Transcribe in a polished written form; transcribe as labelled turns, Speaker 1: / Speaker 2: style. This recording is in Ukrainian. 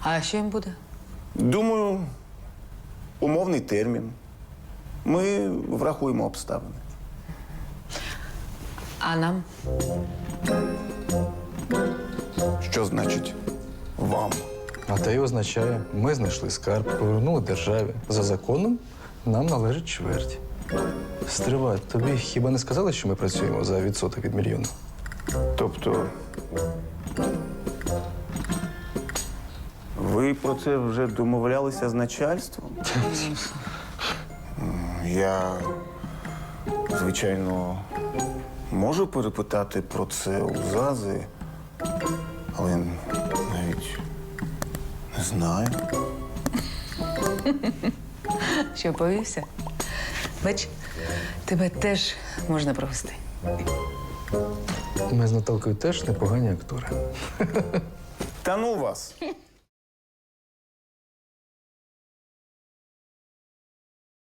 Speaker 1: А що їм буде?
Speaker 2: Думаю, умовний термін. Ми врахуємо обставини.
Speaker 1: А нам?
Speaker 2: Що значить вам?
Speaker 3: А те й означає, ми знайшли скарб, повернули державі. За законом нам належить чверть. Стривай, тобі хіба не сказали, що ми працюємо за відсоток від мільйона?
Speaker 2: Тобто, ви про це вже домовлялися з начальством? Я, звичайно, можу перепитати про це у ЗАЗи, але навіть не знаю.
Speaker 1: Що, повівся? Бач, тебе теж можна провести.
Speaker 3: Ми з Наталкою теж непогані актори.
Speaker 2: Та ну вас!